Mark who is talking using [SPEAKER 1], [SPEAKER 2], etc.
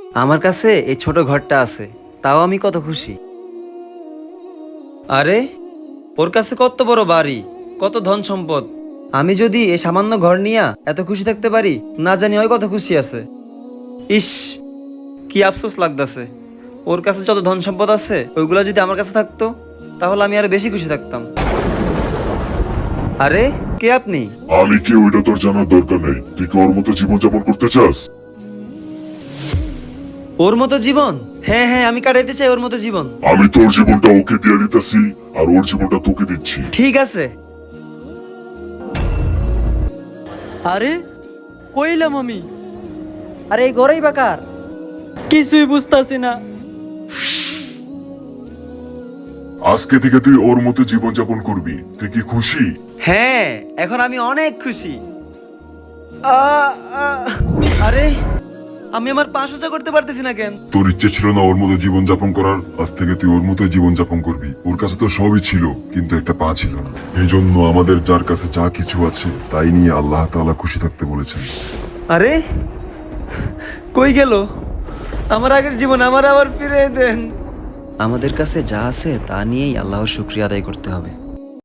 [SPEAKER 1] আমার কাছে এই ছোট ঘরটা আছে, তাও আমি কত খুশি। আরে, ওর কাছে কত বড় বাড়ি, কত ধন সম্পদ। আমি যদি এই সামান্য ঘর নিয়া এত খুশি থাকতে পারি, না জানি ওই কত খুশি আছে। ইস, কি আফসোস লাগতাছে। ওর কাছে যত ধন সম্পদ আছে ওইগুলো যদি আমার কাছে থাকতো, তাহলে আমি আরো বেশি খুশি থাকতাম। আরে, কে আপনি?
[SPEAKER 2] আমি কি ওইটা তোর জানার দরকার নেই। তুই কি ওর মতো জীবনযাপন করতে চাস?
[SPEAKER 1] ওর মতো জীবন? হ্যাঁ হ্যাঁ, আমি কাটাইতে চাই ওর মতো জীবন।
[SPEAKER 2] আমি তোর জীবনটা ওকে দিয়ে দিতেছি, আর ওর জীবনটা তোকে দিচ্ছি।
[SPEAKER 1] ঠিক আছে।
[SPEAKER 3] আরে কইলাম আমি, আরে এই ঘরেই বাকার, কিছুই বুঝতাছি না।
[SPEAKER 2] আজকে থেকে তুই ওর মতো জীবনযাপন করবি। তুই কি খুশি?
[SPEAKER 1] হ্যাঁ, এখন আমি অনেক খুশি। আ, আ, আরে, আমি আমার পা সোজা করতে পারতেছি না কেন?
[SPEAKER 2] তোর ইচ্ছে ছিল না ওর মতো জীবনযাপন করার, আজ থেকে তুই ওর মতো জীবনযাপন করবি। ওর কাছে তো সবই ছিল, কিন্তু একটা পা ছিল না। এই জন্য আমাদের যার কাছে যা কিছু আছে তাই নিয়ে আল্লাহ তাআলা খুশি থাকতে বলেছেন।
[SPEAKER 1] আরে, কই গেল আমার আগের জীবন? আমার আবার ফিরে দেন। আমাদের কাছে যা আছে তা নিয়েই আল্লাহর শুকরিয়া আদায় করতে হবে।